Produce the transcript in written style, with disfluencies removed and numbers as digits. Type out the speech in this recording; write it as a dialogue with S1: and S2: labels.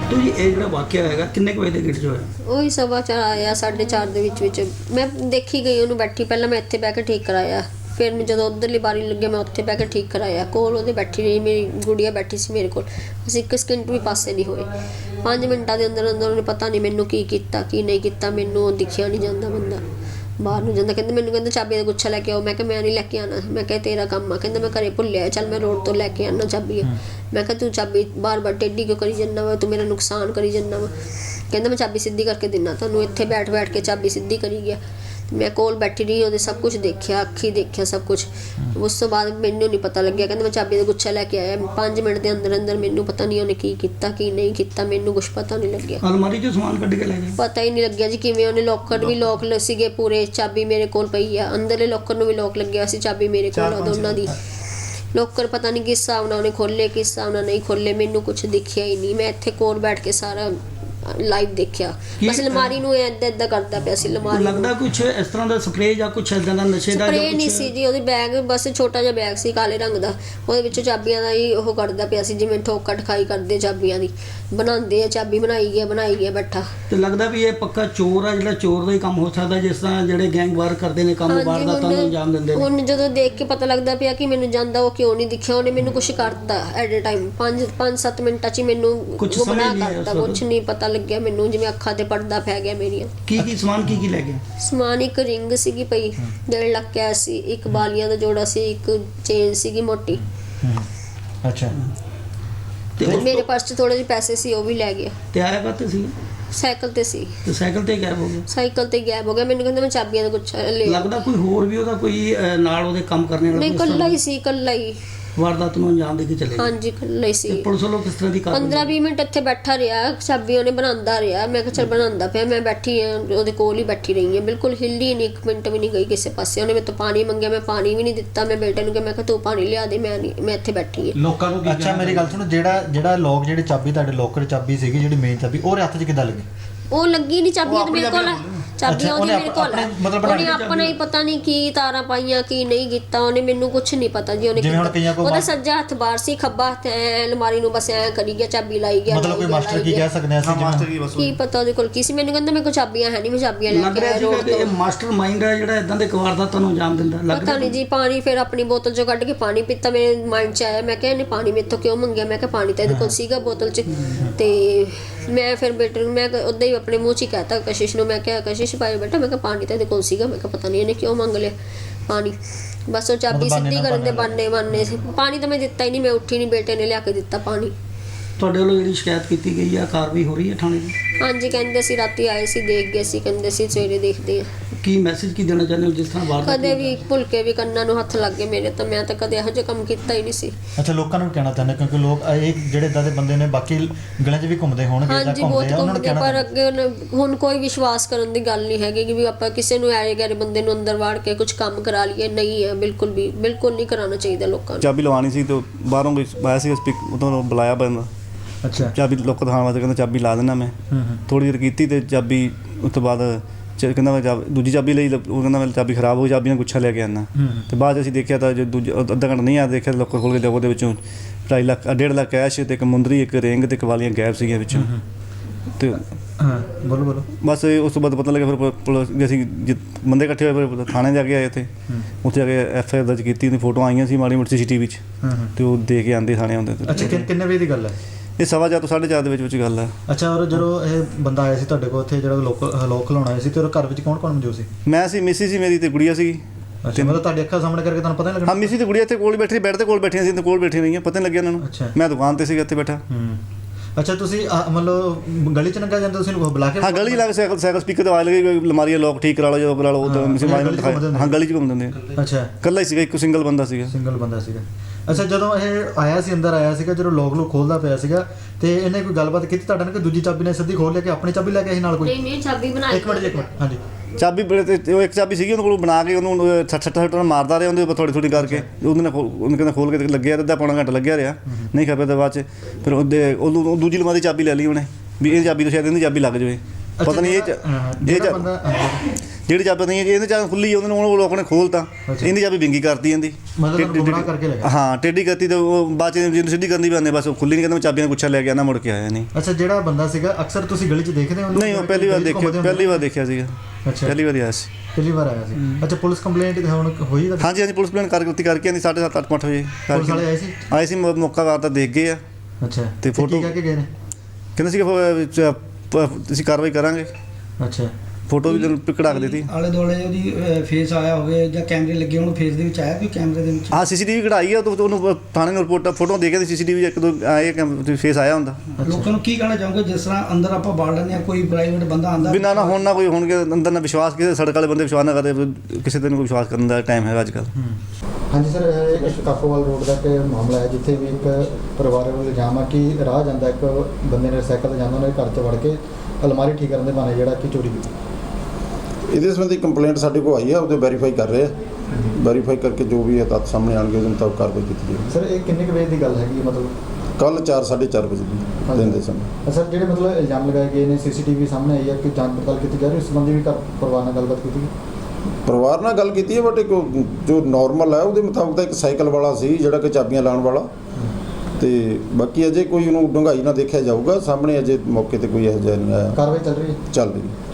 S1: ਬਿੱਟੂ ਜੀ ਇਹ ਜਿਹੜਾ ਵਾਕਿਆ ਹੈਗਾ ਕਿੰਨੇ ਕੁ ਵਜੇ ਦੇ ਗੇਟ 'ਚ ਹੋਇਆ?
S2: ਉਹੀ 4:15 ਆਇਆ 4:30 ਦੇ ਵਿੱਚ ਮੈਂ ਦੇਖੀ ਗਈ ਉਹਨੂੰ ਬੈਠੀ। ਪਹਿਲਾਂ ਮੈਂ ਇੱਥੇ ਬਹਿ ਕੇ ਠੀਕ ਕਰਾਇਆ, ਫਿਰ ਮੈਂ ਜਦੋਂ ਉੱਧਰਲੀ ਬਾਰੀ ਲੱਗਿਆ ਮੈਂ ਉੱਥੇ ਬਹਿ ਕੇ ਠੀਕ ਕਰਾਇਆ। ਕੋਲ ਉਹਦੇ ਬੈਠੀ ਰਹੀ, ਮੇਰੀ ਗੁੜੀਆ ਬੈਠੀ ਸੀ ਮੇਰੇ ਕੋਲ। ਅਸੀਂ 1 ਸਕਿੰਟ ਵੀ ਪਾਸੇ ਨਹੀਂ ਹੋਏ। 5 ਮਿੰਟਾਂ ਦੇ ਅੰਦਰ ਅੰਦਰ ਉਹਨੇ ਪਤਾ ਨਹੀਂ ਮੈਨੂੰ ਕੀ ਕੀਤਾ ਕੀ ਨਹੀਂ ਕੀਤਾ। ਮੈਨੂੰ ਦਿਖਿਆ ਨਹੀਂ ਜਾਂਦਾ ਬੰਦਾ ਬਾਹਰ ਨੂੰ ਜਾਂਦਾ। ਮੈਨੂੰ ਕਹਿੰਦਾ ਚਾਬੀ ਦਾ ਗੁੱਛਾ ਲੈ ਕੇ ਆਓ। ਮੈਂ ਕਿਹਾ ਮੈਂ ਨਹੀਂ ਲੈ ਕੇ ਆਉਣਾ। ਮੈਂ ਕਿਹਾ ਤੇਰਾ ਕੰਮ ਆ। ਕਹਿੰਦਾ ਮੈਂ ਘਰੇ ਭੁੱਲਿਆ, ਚੱਲ ਮੈਂ ਰੋਡ ਤੋਂ ਲੈ ਕੇ ਆਉਣਾ ਚਾਬੀ। ਮੈਂ ਕਿਹਾ ਤੂੰ ਚਾਬੀ ਬਾਰ ਟੇਢੀ ਕਿਉਂ ਕਰੀ ਜਾਂਦਾ ਵਾ, ਤੂੰ ਮੇਰਾ ਨੁਕਸਾਨ ਕਰੀ ਜਾਂਦਾ ਵਾ। ਕਹਿੰਦਾ ਮੈਂ ਚਾਬੀ ਸਿੱਧੀ ਕਰਕੇ ਦਿੰਦਾ ਤੁਹਾਨੂੰ। ਇੱਥੇ ਬੈਠ ਕੇ ਚਾਬੀ ਸਿੱਧੀ ਕਰੀ ਗਿਆ। ਮੈਂ ਕੋਲ ਬੈਠੀ ਰਹੀ, ਉਹਦੇ ਸਭ ਕੁਝ ਦੇਖਿਆ, ਅੱਖੀ ਦੇਖਿਆ ਸਭ ਕੁਝ। ਉਸ ਤੋਂ ਬਾਅਦ ਮੈਨੂੰ ਨਹੀਂ ਪਤਾ ਲੱਗਿਆ। ਕਹਿੰਦਾ ਮੈਂ ਚਾਬੀ ਦਾ ਗੁੱਛਾ ਲੈ ਕੇ ਆਇਆ। 5 ਮਿੰਟ ਦੇ ਅੰਦਰ ਅੰਦਰ ਮੈਨੂੰ ਪਤਾ ਨਹੀਂ ਉਹਨੇ ਕੀ ਕੀਤਾ ਕੀ ਨਹੀਂ ਕੀਤਾ, ਮੈਨੂੰ ਕੁਝ ਪਤਾ ਨਹੀਂ ਲੱਗਿਆ।
S1: ਅਲਮਾਰੀ 'ਚੋਂ ਸਮਾਨ ਕੱਢ ਕੇ ਲੈ ਗਏ?
S2: ਪਤਾ ਹੀ ਨਹੀਂ ਲੱਗਿਆ ਜੀ ਕਿਵੇਂ। ਉਹਨੇ ਲੋਕਰ ਵੀ ਲੋਕ ਸੀਗੇ ਪੂਰੇ, ਚਾਬੀ ਮੇਰੇ ਕੋਲ ਪਈ ਆ। ਅੰਦਰਲੇ ਲੋਕਰ ਨੂੰ ਵੀ ਲੋਕ ਲੱਗਿਆ ਸੀ, ਚਾਬੀ ਮੇਰੇ ਕੋਲ ਆ ਦੋਨਾਂ ਦੀ। ਲੋਕਰ ਪਤਾ ਨਹੀਂ ਕਿਸ ਹਿਸਾਬ ਨਾਲ ਉਹਨੇ ਖੋਲੇ, ਕਿਸ ਹਿਸਾਬ ਨਾਲ ਨਹੀਂ ਖੋਲੇ, ਮੈਨੂੰ ਕੁਝ ਦਿਖਿਆ ਹੀ ਨਹੀਂ। ਮੈਂ ਇੱਥੇ ਕੋਲ ਬੈਠ ਕੇ ਸਾਰਾ ਲਾਈਵ ਦੇਖਿਆ। ਬਸ ਅਲਮਾਰੀ ਨੂੰ ਏਦਾਂ ਕਰਦਾ ਪਿਆ ਸੀ। ਅਲਮਾਰੀ
S1: ਲੱਗਦਾ ਕੁਝ ਇਸ ਤਰ੍ਹਾਂ ਦਾ ਸਪਰੇਅ ਜਾਂ ਕੁਝ ਇਦਾਂ ਦਾ ਨਸ਼ੇ ਦਾ
S2: ਸਪਰੇਅ ਨਹੀਂ ਸੀ ਜੀ। ਉਹਦੀ ਬੈਗ ਬਸ ਛੋਟਾ ਜਿਹਾ ਬੈਗ ਸੀ ਕਾਲੇ ਰੰਗ ਦਾ, ਉਹਦੇ ਵਿੱਚੋਂ ਚਾਬੀਆਂ ਦਾ ਹੀ ਉਹ ਕੱਢਦਾ ਪਿਆ ਸੀ, ਜਿਵੇਂ ਠੋਕਾ ਠਖਾਈ ਕਰਦੇ ਚਾਬੀਆਂ ਦੀ ਬਣਾਉਂਦੇ ਆ। ਚਾਬੀ ਬਣਾਈ ਗਿਆ ਬੈਠਾ। ਤੇ
S1: ਲੱਗਦਾ ਵੀ ਇਹ ਪੱਕਾ ਚੋਰ ਆ, ਜਿਹੜਾ ਚੋਰ ਦਾ ਹੀ ਕੰਮ ਹੋ ਸਕਦਾ, ਜਿਸ ਤਰ੍ਹਾਂ ਜਿਹੜੇ ਗੈਂਗ ਵਾਰ ਕਰਦੇ ਨੇ ਕੰਮ ਵਾਰਦਾਤਾਂ ਨੂੰ ਅੰਜਾਮ ਦਿੰਦੇ ਨੇ।
S2: ਹੁਣ ਜਦੋਂ ਦੇਖ ਕੇ ਪਤਾ ਲੱਗਦਾ ਪਿਆ ਕਿ ਮੈਨੂੰ ਜਾਂਦਾ ਉਹ ਕਿਉਂ ਨਹੀਂ ਦਿਖਿਆ। ਉਹਨੇ ਮੈਨੂੰ ਕੁਝ ਕਰਤਾ ਐਟ ਏ ਟਾਈਮ 5-7 ਮਿੰਟਾਂ 'ਚ ਹੀ ਮੈਨੂੰ ਗੁੰਮਰਾਹ ਕਰਤਾ। ਕੁਝ ਨਹੀਂ ਪਤਾ ਲੱਗਿਆ ਮੈਨੂੰ, ਜਿਵੇਂ ਅੱਖਾਂ ਤੇ ਪਰਦਾ ਪੈ ਗਿਆ ਮੇਰੀਆਂ।
S1: ਕੀ ਸਮਾਨ ਕੀ ਲੈ ਗਿਆ?
S2: ਸਮਾਨ ਇੱਕ ਰਿੰਗ ਸੀਗੀ ਪਈ 1.5 ਲੱਖ ਕੈਸ਼ ਸੀ, ਇੱਕ ਬਾਲੀਆਂ ਦਾ ਜੋੜਾ ਸੀ, ਇੱਕ ਚੇਨ ਸੀਗੀ ਮੋਟੀ।
S3: ਅੱਛਾ।
S2: ਤੇ ਮੇਰੇ ਪਰਸ 'ਚ ਥੋੜੇ ਜਿਹੇ ਪੈਸੇ ਸੀ, ਉਹ ਵੀ ਲੈ ਗਿਆ।
S1: ਤੇ ਆਇਆ ਕਾਹਤੇ ਸੀ?
S2: ਸਾਈਕਲ ਤੇ ਸੀ।
S1: ਤੇ ਸਾਈਕਲ ਤੇ ਗਾਇਬ ਹੋ ਗਿਆ?
S2: ਸਾਈਕਲ ਤੇ ਗਾਇਬ ਹੋ ਗਿਆ। ਮੈਨੂੰ ਕਹਿੰਦਾ ਮੈਂ ਚਾਬੀਆਂ ਦਾ ਗੁੱਛਾ ਲੈ।
S1: ਲੱਗਦਾ ਕੋਈ ਹੋਰ ਵੀ ਉਹਦਾ ਕੋਈ ਨਾਲ ਉਹਦੇ ਕੰਮ ਕਰਨੇ ਵਾਲਾ?
S2: ਨਹੀਂ, ਇਕੱਲਾ ਹੀ ਸੀ, ਇਕੱਲਾ ਹੀ
S1: ਵਾਰਦਾਤ ਨੂੰ ਅੰਜਾਮ ਦੇ ਕੇ ਚਲੇ ਗਏ?
S2: ਹਾਂਜੀ, ਇਕੱਲਾ ਹੀ ਸੀ।
S1: ਪੁਲਿਸ ਵੱਲੋਂ ਕਿਸ ਤਰ੍ਹਾਂ ਦੀ ਕਾਰਵਾਈ?
S2: 15-20 ਮਿੰਟ ਇੱਥੇ ਬੈਠਾ ਰਿਹਾ, ਚਾਬੀ ਉਹਨੇ ਬਣਾਉਂਦਾ ਰਿਹਾ। ਮੈਂ ਕਿਹਾ ਚੱਲ ਬਣਾਉਂਦਾ ਪਿਆ, ਮੈਂ ਬੈਠੀ ਆ ਉਹਦੇ ਕੋਲ ਹੀ ਬੈਠੀ ਰਹੀ ਹਾਂ, ਬਿਲਕੁਲ ਹਿੱਲੀ ਨਹੀਂ, 1 ਮਿੰਟ ਵੀ ਨਹੀਂ ਗਈ ਕਿਸੇ ਪਾਸੇ। ਉਹਨੇ ਮੇਰੇ ਤੋਂ ਪਾਣੀ ਮੰਗਿਆ, ਮੈਂ ਪਾਣੀ ਵੀ ਨਹੀਂ ਦਿੱਤਾ। ਮੈਂ ਬੇਟੇ ਨੂੰ ਕਿਹਾ, ਮੈਂ ਕਿਹਾ ਤੂੰ ਪਾਣੀ ਲਿਆ ਦੇ, ਮੈਂ ਇੱਥੇ ਬੈਠੀ ਹਾਂ।
S3: ਲੋਕਾਂ ਨੂੰ ਅੱਛਾ ਮੇਰੀ ਗੱਲ ਸੁਣੋ, ਜਿਹੜਾ ਲੋਕ ਜਿਹੜੇ ਚਾਬੀ ਤੁਹਾਡੇ ਲੋਕਰ ਚਾਬੀ ਸੀਗੀ, ਜਿਹੜੀ ਮੇਨ ਚਾਬੀ ਉਹਦੇ ਹੱਥ 'ਚ ਕਿੱਦਾਂ ਲੱਗੀ?
S2: ਉਹ ਲੱਗੀ ਨਹੀਂ ਚਾਬੀ ਮੇਰੇ ਕੋਲ। ਚਾਬੀਆਂ ਉਹਦੀ ਮੇਰੇ ਕੋਲ ਹੈ। ਉਹਨੇ ਆਪਣਾ ਹੀ ਪਤਾ ਨਹੀਂ ਕੀ ਤਾਰਾਂ ਪਾਈਆਂ ਕੀ ਨਹੀਂ ਕੀਤਾ। ਉਹਨੇ ਮੈਨੂੰ ਕੁਝ ਨਹੀਂ ਪਤਾ ਜੀ ਉਹਨੇ ਕੀਤਾ। ਉਹਦਾ ਸੱਜਾ ਹੱਥ ਬਾਹਰ ਸੀ, ਖੱਬਾ ਹੱਥ ਅਲਮਾਰੀ ਨੂੰ ਬਸ ਐ ਕਰੀ ਗਿਆ, ਚਾਬੀ ਲਾਈ ਗਿਆ।
S3: ਮਤਲਬ ਕੋਈ ਮਾਸਟਰ ਕੀ ਕਹਿ ਸਕਦੇ ਆ ਅਸੀਂ? ਮਾਸਟਰ
S2: ਕੀ ਪਤਾ ਉਹਦੇ ਕੋਲ ਕੀ ਸੀ। ਮੈਨੂੰ ਕਹਿੰਦਾ ਮੇਰੇ ਕੋਲ ਚਾਬੀਆਂ ਹੈ ਨਹੀਂ, ਮੈਂ ਚਾਬੀਆਂ ਲੈ ਕੇ ਆਇਆ ਰੋਡ ਤੋਂ।
S1: ਇਹ ਮਾਸਟਰ ਮਾਈਂਡ ਹੈ ਜਿਹੜਾ ਇਦਾਂ ਦੇ ਵਾਰਦਾਤਾਂ ਨੂੰ ਅੰਜਾਮ ਦਿੰਦਾ।
S2: ਪਤਾ ਨਹੀਂ ਜੀ। ਪਾਣੀ ਫਿਰ ਆਪਣੀ ਬੋਤਲ 'ਚੋਂ ਕੱਢ ਕੇ ਪਾਣੀ ਪੀਤਾ। ਮੇਰੇ ਮਾਈਂਡ 'ਚ ਆਇਆ, ਮੈਂ ਕਿਹਾ ਇਹਨੇ ਪਾਣੀ ਮੇਰੇ ਤੋਂ ਕਿਉਂ ਮੰਗਿਆ? ਮੈਂ ਕਿਹਾ ਪਾਣੀ ਤਾਂ ਇਹਦੇ ਕੋਲ ਸੀਗਾ ਬੋਤਲ 'ਚ। ਤੇ ਮੈਂ ਫਿਰ ਬੇਟੇ ਨੂੰ ਮੈਂ ਉੱਦਾਂ ਹੀ ਆਪਣੇ ਮੂੰਹ 'ਚ ਹੀ ਕਹਿਤਾ ਕਸ਼ਿਸ਼ ਨੂੰ। ਮੈਂ ਕਿਹਾ ਕਸ਼ਿਸ਼ ਭਾਈ ਬੇਟਾ, ਮੈਂ ਕਿਹਾ ਪਾਣੀ ਤਾਂ ਇਹਦੇ ਕੋਲ ਸੀਗਾ। ਮੈਂ ਕਿਹਾ ਪਤਾ ਨਹੀਂ ਇਹਨੇ ਕਿਉਂ ਮੰਗ ਲਿਆ ਪਾਣੀ। ਬਸ ਉਹ ਚਾਬੀ ਸਿੱਧੀ ਕਰਨ ਦੇ ਬਾਨੇ ਸੀ। ਪਾਣੀ ਤਾਂ ਮੈਂ ਦਿੱਤਾ ਹੀ ਨਹੀਂ, ਮੈਂ ਉੱਠੀ ਨਹੀਂ, ਬੇਟੇ ਨੇ ਲਿਆ ਕੇ ਦਿੱਤਾ ਪਾਣੀ।
S1: ਤੁਹਾਡੇ ਵੱਲੋਂ ਜਿਹੜੀ ਸ਼ਿਕਾਇਤ ਕੀਤੀ ਗਈ ਆ, ਕਾਰਵਾਈ ਹੋ ਰਹੀ ਹੈ ਥਾਣੇ ਦੀ? ਹਾਂਜੀ,
S2: ਕਹਿੰਦੇ ਸੀ ਰਾਤੀ ਆਏ ਸੀ, ਦੇਖ ਗਏ ਸੀ, ਕਹਿੰਦੇ ਸੀ ਸਵੇਰੇ ਦੇਖਦੇ ਆ।
S1: ਕੀ ਮੈਸੇਜ ਕੀ ਦੇਣਾ ਚਾਹੁੰਦੇ ਹੋ ਜਿਸ ਤਰ੍ਹਾਂ ਵਾਰਦਾਤ?
S2: ਕਦੇ ਵੀ ਭੁੱਲ ਕੇ ਵੀ ਕੰਨਾਂ ਨੂੰ ਹੱਥ ਲੱਗ ਗਏ ਮੇਰੇ, ਤਾਂ ਮੈਂ ਤਾਂ ਕਦੇ ਇਹੋ ਜਿਹਾ ਕੰਮ ਕੀਤਾ ਹੀ ਨਹੀਂ ਸੀ।
S3: ਅੱਛਾ, ਲੋਕਾਂ ਨੂੰ ਕਹਿਣਾ ਚਾਹੁੰਦੇ ਕਿਉਂਕਿ ਲੋਕ ਇਹ ਜਿਹੜੇ ਇਦਾਂ ਦੇ ਬੰਦੇ ਨੇ ਬਾਕੀ ਗਲਾਂ 'ਚ ਵੀ ਘੁੰਮਦੇ ਹੋਣਗੇ ਜਾਂ ਘੁੰਮਦੇ ਆ, ਉਹਨਾਂ ਨੂੰ ਕਹਿਣਾ।
S2: ਪਰ ਅੱਗੇ ਹੁਣ ਕੋਈ ਵਿਸ਼ਵਾਸ ਕਰਨ ਦੀ ਗੱਲ ਨਹੀਂ ਹੈਗੀ ਕਿ ਵੀ ਆਪਾਂ ਕਿਸੇ ਨੂੰ ਐਰੇ ਗੈਰੇ ਬੰਦੇ ਨੂੰ ਅੰਦਰ ਵਾੜ ਕੇ ਕੁਝ ਕੰਮ ਕਰਾ ਲਈਏ। ਨਹੀਂ ਹੈ, ਬਿਲਕੁਲ ਨਹੀਂ ਕਰਾਉਣਾ ਚਾਹੀਦਾ ਲੋਕਾਂ ਨੂੰ।
S4: ਚਾਬੀ ਲਵਾਉਣੀ ਸੀ ਤੇ ਬਾਹਰੋਂ ਕੋਈ ਆਇਆ ਸੀ, ਉਦੋਂ ਬੁਲਾਇਆ ਬੰਦਾ।
S3: ਅੱਛਾ।
S4: ਚਾਬੀ ਲੋਕ ਦਿਖਾਉਣ ਵਾਸਤੇ ਕਹਿੰਦਾ ਚਾਬੀ ਲਾ ਦੇਣਾ ਮੈਂ। ਥੋੜੀ ਦੇਰ ਕੀਤੀ ਤੇ ਚਾਬੀ ਉਸ ਤੋਂ ਬਾਅਦ ਕਹਿੰਦਾ ਮੈਂ ਦੂਜੀ ਚਾਬੀ ਲਈ। ਉਹ ਕਹਿੰਦਾ ਮੈਂ ਚਾਬੀ ਖਰਾਬ ਹੋ ਗਈ, ਚਾਬੀ ਦਾ ਗੁੱਛਾ ਲੈ ਕੇ ਆਉਣਾ। ਤੇ ਬਾਅਦ 'ਚ ਅਸੀਂ ਦੇਖਿਆ ਤਾਂ ਜੋ ਅੱਧਾ ਘੰਟਾ ਨਹੀਂ ਆ ਦੇਖਿਆ, ਲੋਕਰ ਖੋਲ੍ਹ ਕੇ ਦੇਖੋ, ਉਹਦੇ ਵਿੱਚੋਂ 2.5 ਲੱਖ 1.5 ਲੱਖ ਕੈਸ਼ ਤੇ ਇੱਕ ਮੁੰਦਰੀ, ਇੱਕ ਰਿੰਗ ਤੇ ਕਵਾਲੀਆਂ ਗਾਇਬ ਸੀਗੀਆਂ ਵਿੱਚੋਂ। ਤੇ
S3: ਬੋਲੋ
S4: ਬਸ ਉਸ ਤੋਂ ਬਾਅਦ ਪਤਾ ਲੱਗਿਆ ਫਿਰ ਪੁਲਿਸ ਅਸੀਂ ਬੰਦੇ ਇਕੱਠੇ ਹੋਏ, ਫਿਰ ਥਾਣੇ ਜਾ ਕੇ ਆਏ। ਉੱਥੇ ਜਾ ਕੇ FIR ਦਰਜ ਕੀਤੀ, ਉਹਦੀ ਫੋਟੋਆਂ ਆਈਆਂ ਸੀ ਮਾੜੀ ਮੋਟੀ CCTV 'ਚ, ਤੇ ਉਹ ਦੇ ਕੇ ਆਉਂਦੇ ਥਾਣੇ ਆਉਂਦੇ।
S3: ਅੱਛਾ, ਕਿੰਨੇ ਵਜੇ ਦੀ ਗੱਲ ਹੈ
S4: ਇਹ? 4:15 ਤੋਂ 4:30 ਦੇ ਵਿੱਚ ਗੱਲ ਹੈ।
S3: ਅੱਛਾ। ਔਰ ਜਦੋਂ ਇਹ ਬੰਦਾ ਆਇਆ ਸੀ ਤੁਹਾਡੇ ਕੋਲ ਉੱਥੇ, ਜਿਹੜਾ ਲੋਕ ਖਲਾਉਣਾ ਆਇਆ ਸੀ, ਤੇ ਉਹਦੇ ਘਰ ਵਿੱਚ ਕੌਣ ਮੌਜੂਦ ਸੀ?
S4: ਮੈਂ ਸੀ, ਮਿਸੀ ਸੀ ਮੇਰੀ ਤੇ ਗੁੜੀਆ ਸੀਗੀ।
S3: ਅੱਛਾ, ਮਤਲਬ ਤੁਹਾਡੀ ਅੱਖਾਂ ਸਾਹਮਣੇ ਕਰਕੇ ਤੁਹਾਨੂੰ ਪਤਾ ਨਹੀਂ ਲੱਗਾ?
S4: ਹਾਂ, ਮਿਸੀ ਤੇ ਗੁੜੀਆ ਇੱਥੇ ਕੋਲ ਬੈਠੀ, ਬੈੱਡ ਤੇ ਕੋਲ ਬੈਠੀਆਂ ਸੀ, ਤੇ ਕੋਲ ਬੈਠੀਆਂ ਰਹੀਆਂ, ਪਤਾ ਨਹੀਂ ਲੱਗਿਆ ਉਹਨਾਂ ਨੂੰ। ਮੈਂ ਦੁਕਾਨ ਤੇ ਸੀਗਾ ਇੱਥੇ ਬੈਠਾ।
S3: ਅੱਛਾ, ਤੁਸੀਂ ਮਤਲਬ ਗਲੀ 'ਚ ਲੰਘਿਆ ਜਾਂਦੇ, ਤੁਸੀਂ ਬੁਲਾ ਕੇ?
S4: ਹਾਂ, ਗਲੀ ਲੱਗ ਸਾਈਕਲ ਸਪੀਕਰ ਤੇ ਆਵਾਜ਼ ਲੱਗੀ, ਅਲਮਾਰੀਆਂ ਲੋਕ ਠੀਕ ਕਰਾ ਲਓ, ਜਦੋਂ ਕਰਾ ਲਓ। ਹਾਂ, ਗਲੀ 'ਚ ਘੁੰਮਦੇ ਹੁੰਦੇ।
S3: ਅੱਛਾ।
S4: ਇਕੱਲਾ ਹੀ ਸੀਗਾ, ਇੱਕ ਸਿੰਗਲ ਬੰਦਾ ਸੀਗਾ।
S3: ਅੱਛਾ, ਜਦੋਂ ਇਹ ਆਇਆ ਸੀ, ਅੰਦਰ ਆਇਆ ਸੀਗਾ, ਜਦੋਂ ਲੋਕ ਖੋਲਦਾ ਪਿਆ ਸੀਗਾ, ਤੇ ਇਹਨੇ ਕੋਈ ਗੱਲਬਾਤ ਕੀਤੀ ਤੁਹਾਡੇ ਨਾਲ ਕਿ ਦੂਜੀ ਚਾਬੀ ਨੇ ਸਿੱਧੀ ਖੋਲ ਲਿਆ ਕਿ ਆਪਣੀ ਚਾਬੀ ਲੈ ਕੇ ਆਈ ਨਾਲ ਕੋਈ?
S2: ਨਹੀਂ, ਚਾਬੀ ਬਣਾ ਕੇ।
S3: ਇੱਕ ਮਿੰਟ ਹਾਂਜੀ।
S4: ਚਾਬੀ ਉਹ ਇੱਕ ਚਾਬੀ ਸੀਗੀ, ਉਹਨੂੰ ਕੋਲ ਬਣਾ ਕੇ ਉਹਨੂੰ ਸੱਟਾ ਮਾਰਦਾ ਰਿਹਾ, ਉਹਦੇ ਉੱਪਰ ਥੋੜੀ ਕਰਕੇ। ਉਹਨੇ ਕਹਿੰਦਾ ਖੋਲ ਕੇ ਲੱਗਿਆ, ਅੱਧਾ ਪੌਣਾ ਘੰਟਾ ਲੱਗਿਆ ਰਿਹਾ, ਨਹੀਂ ਖਪਿਆ। ਤਾਂ ਬਾਅਦ 'ਚ ਫਿਰ ਉਹ ਦੂਜੀ ਅਲਮਾਰੀ ਚਾਬੀ ਲੈ ਲਈ ਉਹਨੇ, ਵੀ ਇਹ ਚਾਬੀ ਤੋਂ ਸ਼ਾਇਦ ਇਹਦੀ ਚਾਬੀ ਲੱਗ ਜਾਵੇ, ਪਤਾ ਨਹੀਂ। ਜਿਹੜੀ ਚਾਬੀ ਨਹੀਂ ਇਹਦੀ ਚਾਬੀ ਖੁੱਲੀ ਉਹਨਾਂ ਨੂੰ ਉਹ ਲੋਕ ਨੇ ਖੋਲਤਾ, ਇਹਦੀ ਚਾਬੀ ਵਿੰਗੀ ਕਰਤੀ ਇਹਦੀ,
S3: ਮਤਲਬ ਗੁੰਮਰਾਹ ਕਰਕੇ ਲੈ ਗਿਆ।
S4: ਹਾਂ ਟੇਢੀ ਕਰਤੀ ਤੇ ਉਹ ਬਾਅਦ ਚ ਜਿਹਨੂੰ ਸਿੱਧੀ ਕਰਨੀ ਪੈਂਦੀ, ਬਸ ਉਹ ਖੁੱਲੀ ਨਹੀਂ, ਕਹਿੰਦਾ ਮੈਂ ਚਾਬੀਆਂ ਗੁੱਛਾ ਲੈ ਕੇ ਆਣਾ, ਮੁੜ ਕੇ ਆਇਆ ਨਹੀਂ।
S3: ਅੱਛਾ, ਜਿਹੜਾ ਬੰਦਾ ਸੀਗਾ ਅਕਸਰ ਤੁਸੀਂ ਗਲੀ 'ਚ ਦੇਖਦੇ ਹੋ?
S4: ਨਹੀਂ, ਉਹ ਪਹਿਲੀ ਵਾਰ ਦੇਖਿਆ ਸੀਗਾ,
S3: ਅੱਛਾ,
S4: ਪਹਿਲੀ ਵਾਰ ਆਇਆ ਸੀ।
S3: ਪਹਿਲੀ ਵਾਰ ਆਇਆ ਸੀ। ਅੱਛਾ, ਪੁਲਿਸ ਕੰਪਲੇਂਟ ਹੁਣ ਹੋਈ?
S4: ਹਾਂਜੀ ਹਾਂਜੀ, ਪੁਲਿਸ ਕੰਪਲੇਂਟ ਕਰਕੇ ਆਂਦੀ 7:30 8 ਵਜੇ
S3: ਪੁਲਿਸ ਵਾਲੇ ਆਏ ਸੀ?
S4: ਮੌਕਾ ਵਾਰ ਤਾਂ ਦੇਖ ਗਏ ਆ।
S3: ਅੱਛਾ,
S4: ਤੇ ਫੋਟੋ
S3: ਕਹਿ ਕੇ ਗਏ ਨੇ?
S4: ਕਹਿੰਦੇ ਸੀ ਅਸੀਂ ਕਾਰਵਾਈ ਕਰਾਂਗੇ।
S3: ਅੱਛਾ,
S4: ਫੋਟੋ ਵੀ ਕਢਾ ਕੇ ਦਿੱਤੀ।
S1: ਆਲੇ ਦੁਆਲੇ ਉਹਦੀ ਫੇਸ ਆਇਆ ਹੋਵੇ ਜਾਂ ਕੈਮਰੇ ਲੱਗੇ ਹੋਣ, ਫੇਸ ਦੇ ਵਿੱਚ ਆਇਆ ਕੋਈ ਕੈਮਰੇ ਦੇ ਵਿੱਚ?
S4: ਹਾਂ, ਸੀਸੀਟੀਵੀ ਕਢਾਈ ਆ, ਉਹਨੂੰ ਥਾਣੇ ਨੂੰ ਰਿਪੋਰਟ ਫੋਟੋ ਦੇ ਕੇ ਸੀਸੀਟੀਵੀ ਇੱਕ ਦੋ ਆਏ ਫੇਸ ਆਇਆ ਹੁੰਦਾ।
S1: ਲੋਕਾਂ ਨੂੰ ਕੀ ਕਹਿਣਾ ਚਾਹੋਗੇ ਜਿਸ ਤਰ੍ਹਾਂ ਅੰਦਰ ਆਪਾਂ ਬਾੜ ਲੈਂਦੇ ਹਾਂ, ਕੋਈ ਪ੍ਰਾਈਵੇਟ ਬੰਦਾ ਆਂਦਾ
S4: ਬਿਨਾਂ ਨਾ ਹੁਣ ਨਾ ਕੋਈ ਹੋਣਗੇ ਅੰਦਰ, ਨਾ ਵਿਸ਼ਵਾਸ ਕਿਸੇ ਸੜਕ ਵਾਲੇ ਬੰਦੇ ਵਿਸ਼ਵਾਸ ਨਾ ਕਰਦੇ, ਕਿਸੇ ਤੇ ਨੂੰ ਕੋਈ ਵਿਸ਼ਵਾਸ ਕਰਨ ਦਾ ਟਾਈਮ ਹੈਗਾ ਅੱਜ ਕੱਲ੍ਹ।
S3: ਹਾਂਜੀ ਸਰ, ਇਹ ਕਾਫੋਵਾਲ ਰੋਡ ਦਾ ਇੱਕ ਮਾਮਲਾ ਹੈ ਜਿੱਥੇ ਵੀ ਇੱਕ ਪਰਿਵਾਰ ਵੱਲੋਂ ਇਲਜ਼ਾਮ ਆ ਕਿ ਰਾਹ ਜਾਂਦਾ ਇੱਕ ਬੰਦੇ ਨੇ ਸਾਈਕਲ 'ਤੇ ਜਾਂਦਾ, ਉਹਨੇ ਘਰ 'ਚ ਵੜ ਕੇ ਅਲਮਾਰੀ ਠੀਕ ਕਰਨ ਦੇ ਬਹਾਨੇ ਜਿਹੜਾ ਕਿ ਚੋਰੀ ਕੀਤੀ।
S5: ਇਹਦੇ ਸੰਬੰਧੀ ਕੰਪਲੇਂਟ ਸਾਡੇ ਕੋਲ ਆਈ ਹੈ, ਉਹਦੇ ਵੈਰੀਫਾਈ ਕਰ ਰਹੇ ਆ, ਵੈਰੀਫਾਈ ਕਰਕੇ ਜੋ ਵੀ ਹੈ ਤੱਥ ਸਾਹਮਣੇ ਆਉਣਗੇ ਉਹਦੇ ਮੁਤਾਬਕ ਕਾਰਵਾਈ ਕੀਤੀ ਜਾਵੇਗੀ।
S3: ਸਰ, ਇਹ ਕਿੰਨੇ ਕੁ ਵਜੇ ਦੀ ਗੱਲ ਹੈਗੀ? ਮਤਲਬ
S5: ਕੱਲ੍ਹ 4 4:30 ਵਜੇ ਦੀ ਦਿਨ ਦੇ ਸਮੇਂ।
S3: ਸਰ, ਜਿਹੜੇ ਮਤਲਬ ਇਲਜ਼ਾਮ ਲਗਾਏ ਗਏ ਨੇ, ਸੀਸੀਟੀਵੀ ਸਾਹਮਣੇ ਆਈ ਹੈ ਕਿ ਜਾਂਚ ਪੜਤਾਲ ਕੀਤੀ ਜਾ ਰਹੀ, ਉਸ ਸੰਬੰਧੀ ਵੀ ਪਰਿਵਾਰ ਨਾਲ ਗੱਲਬਾਤ ਕੀਤੀ ਗਈ?
S5: ਪਰਿਵਾਰ ਨਾਲ ਗੱਲ ਕੀਤੀ ਹੈ, ਬਟ ਇੱਕ ਜੋ ਨਾਰਮਲ ਹੈ ਉਹਦੇ ਮੁਤਾਬਕ ਤਾਂ ਇੱਕ ਸਾਈਕਲ ਵਾਲਾ ਸੀ ਜਿਹੜਾ ਕਿ ਚਾਬੀਆਂ ਲਾਉਣ ਵਾਲਾ, ਤੇ ਬਾਕੀ ਅਜੇ ਕੋਈ ਉਹਨੂੰ ਡੂੰਘਾਈ ਨਾਲ ਦੇਖਿਆ ਜਾਊਗਾ, ਸਾਹਮਣੇ ਅਜੇ ਮੌਕੇ ਤੇ ਕੋਈ ਇਹੋ ਜਿਹਾ ਨਹੀਂ ਆਇਆ।
S3: ਕਾਰਵਾਈ ਚੱਲ ਰਹੀ ਹੈ?
S5: ਚੱਲ ਰਹੀ ਹੈ।